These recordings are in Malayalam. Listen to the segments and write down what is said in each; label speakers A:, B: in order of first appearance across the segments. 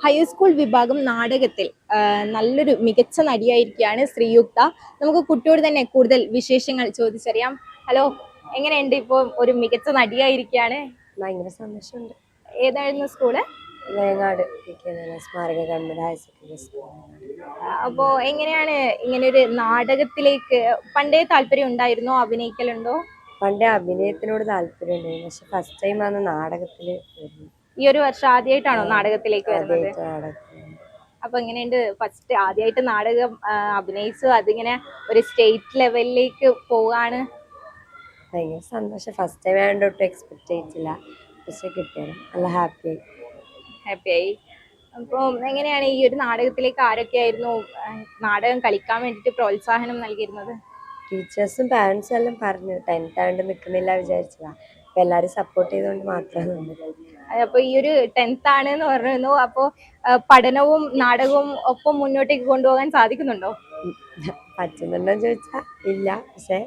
A: ഹൈസ്കൂൾ വിഭാഗം നാടകത്തിൽ നല്ലൊരു മികച്ച നടിയായിരിക്കുകയാണ് ശ്രീയുക്ത. നമുക്ക് കുട്ടിയോട് തന്നെ കൂടുതൽ വിശേഷങ്ങൾ ചോദിച്ചറിയാം. ഹലോ, എങ്ങനെയുണ്ട്? ഇപ്പോൾ ഒരു മികച്ച നടിയായിരിക്കുകയാണ്.
B: ഭയങ്കര സന്തോഷമുണ്ട്.
A: ഏതായിരുന്നു സ്കൂള്?
B: വേങ്ങാട് സ്മാരക ഗവൺമെന്റ് ഹയർ സെക്കൻഡറി സ്കൂൾ.
A: അപ്പോൾ എങ്ങനെയാണ് ഇങ്ങനെ ഒരു നാടകത്തിലേക്ക് പണ്ടേ താല്പര്യം ഉണ്ടായിരുന്നോ? അഭിനയിക്കലുണ്ടോ?
B: പണ്ടേ അഭിനയത്തിനോട് താല്പര്യമുണ്ടായിരുന്നു, പക്ഷെ ഫസ്റ്റ് ടൈം ആണ് നാടകത്തില് വരുന്നത്.
A: ഈ ഒരു വർഷം ആദ്യമായിട്ടാണോ നാടകത്തിലേക്ക് വരുന്നത്?
B: ആദ്യമായിട്ട് നാടകത്തിൽ.
A: അപ്പൊ എങ്ങനെയുണ്ട്? ഫസ്റ്റ് ആദ്യമായിട്ട് നാടകം അഭിനയിച്ചു, അതിങ്ങനെ ഒരു സ്റ്റേറ്റ് ലെവലിലേക്ക് പോവാണ്.
B: ഭയങ്കര സന്തോഷം. ഫസ്റ്റ് ടൈം ആയതുകൊണ്ട് ഒട്ടും എക്സ്പെക്ട് ചെയ്തിട്ടില്ല, പക്ഷെ കിട്ടിയത് നല്ല ഹാപ്പി.
A: ഹാപ്പിയായി. അപ്പോൾ എങ്ങനെയാണ് ഈ ഒരു നാടകത്തിലേക്ക് ആരൊക്കെയായിരുന്നു നാടകം കളിക്കാൻ വേണ്ടിയിട്ട് പ്രോത്സാഹനം നൽകിയിരുന്നത്?
B: ടീച്ചേഴ്സും പാരൻസും എല്ലാം പറഞ്ഞു 10th ആയതുകൊണ്ട് നിൽക്കുന്നില്ല വിചാരിച്ചതാ. അപ്പൊ എല്ലാരും സപ്പോർട്ട് ചെയ്തുകൊണ്ട് മാത്രമാണ് നിന്നത്.
A: അപ്പൊ ഈ ഒരു 10th ആണ് എന്ന് പറഞ്ഞു, അപ്പോൾ പഠനവും നാടകവും ഒപ്പം മുന്നോട്ടേക്ക് കൊണ്ടുപോകാൻ സാധിക്കുന്നുണ്ടോ?
B: പറ്റുന്നുണ്ടോ ചോദിച്ചാ ഇല്ല, പക്ഷെ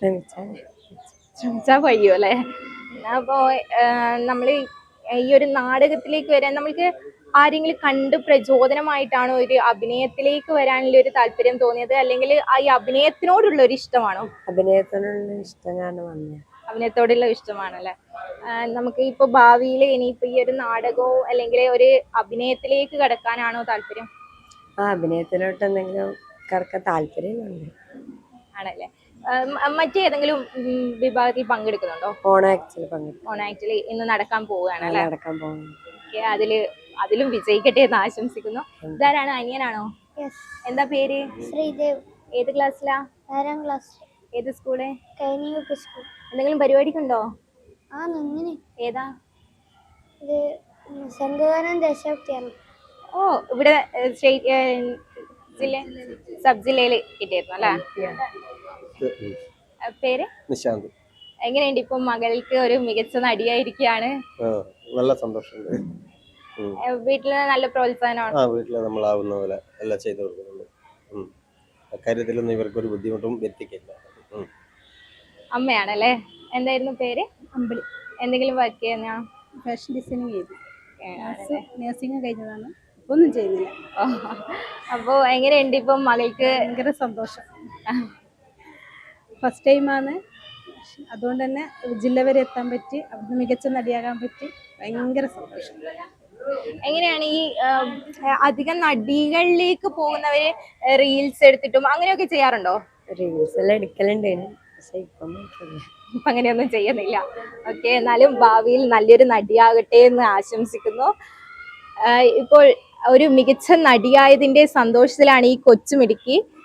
A: ശ്രമിച്ചാൽ കഴിയും അല്ലേ? അപ്പോൾ നമ്മൾ ഈ ഒരു നാടകത്തിലേക്ക് വരാൻ നമ്മൾക്ക് ആരെങ്കിലും കണ്ട് പ്രചോദനമായിട്ടാണോ ഒരു അഭിനയത്തിലേക്ക് വരാനുള്ള ഒരു താല്പര്യം തോന്നിയത്, അല്ലെങ്കിൽ ഈ അഭിനയത്തിനോടുള്ള ഒരു ഇഷ്ടമാണോ?
B: അഭിനയത്തിനുള്ള ഇഷ്ടം കാരണം വന്നത്.
A: അഭിനയത്തോടുള്ള ഇഷ്ടമാണല്ലേ? നമുക്ക് ഇപ്പൊ ഭാവിയിൽ ഇനിയിപ്പോ ഈ ഒരു നാടകവും അല്ലെങ്കിൽ ഒരു അഭിനയത്തിലേക്ക് കടക്കാനാണോ താല്പര്യം?
B: അഭിനയത്തിലോട്ട് എന്തെങ്കിലും കടക്കാൻ താല്പര്യമുണ്ട്.
A: ആണല്ലേ? മറ്റേതെങ്കിലും വിഭാഗത്തിൽ പങ്കെടുക്കുന്നുണ്ടോ?
B: ഓണാക്ടിൽ പങ്കെടുക്കും.
A: ഓണാക്ടിൽ ഇന്ന് നടക്കാൻ പോവുകയാണല്ലേ?
B: നടക്കാൻ പോകുന്നു.
A: അതിലും വിജയിക്കട്ടെ എന്ന് ആശംസിക്കുന്നു. ഇതാരാണ്? അനിയനാണോ? എന്താ പേര്?
C: ശ്രീദേവ്.
A: ഏത് ക്ലാസ്സിലാ?
C: 6ാം ക്ലാസ്.
A: ഏത് സ്കൂള്?
C: കൈനിയൂപ്പ് സ്കൂൾ.
A: എന്തെങ്കിലും പരിപാടിക്കുണ്ടോ?
C: നന്നിന്.
A: ഏതാ
C: ഇത്? സംഘഗാനം ദേശഭക്തിയാണ്.
A: ഓ, ഇവിടെ സബ് ജില്ലയിൽ കിട്ടിയിരുന്നു അല്ലേ? പേര്?
D: നിശാന്ത്.
A: എങ്ങനെയുണ്ട് ഇപ്പൊ മകൾക്ക് ഒരു മികച്ച നടിയായിരിക്കുകയാണ്?
D: നല്ല സന്തോഷമുണ്ട്.
A: വീട്ടില് നല്ല പ്രോത്സാഹനമാണ്.
D: വീട്ടില് നമ്മളാവുന്ന പോലെ എല്ലാം ചെയ്തു കൊടുക്കുന്നുണ്ട്. അക്കാര്യത്തിലൊന്നും ഇവർക്കൊരു ബുദ്ധിമുട്ടും എത്തിക്കില്ല.
A: അമ്മയാണല്ലേ? എന്തായിരുന്നു പേര്?
C: അമ്പിളി.
A: എന്തെങ്കിലും വർക്ക് ചെയ്യുന്ന?
C: ഫാഷൻ ഡിസൈനിങ് ചെയ്തു. നഴ്സിംഗ് കഴിഞ്ഞതാണ്, ഒന്നും ചെയ്യുന്നില്ല.
A: അപ്പോ എങ്ങനെയുണ്ട് ഇപ്പൊ മകൾക്ക്?
C: ഭയങ്കര സന്തോഷം. ഫസ്റ്റ് ടൈമാണ്, അതുകൊണ്ട് തന്നെ ജില്ല വരെ എത്താൻ പറ്റി, അവിടുന്ന് മികച്ച നടിയാകാൻ പറ്റി. ഭയങ്കര സന്തോഷം.
A: എങ്ങനെയാണ് ഈ അധികം നടികളിലേക്ക് പോകുന്നവര് റീൽസ് എടുത്തിട്ടും അങ്ങനെയൊക്കെ ചെയ്യാറുണ്ടോ?
B: റീൽസ് എല്ലാം എടുക്കലുണ്ട്, പക്ഷെ ഇപ്പൊ
A: അങ്ങനെയൊന്നും ചെയ്യുന്നില്ല. ഓക്കെ, എന്നാലും ഭാവിയിൽ നല്ലൊരു നടിയാകട്ടെ എന്ന് ആശംസിക്കുന്നു. ഇപ്പോൾ ഒരു മികച്ച നടിയായതിന്റെ സന്തോഷത്തിലാണ് ഈ കൊച്ചുമിടുക്കി.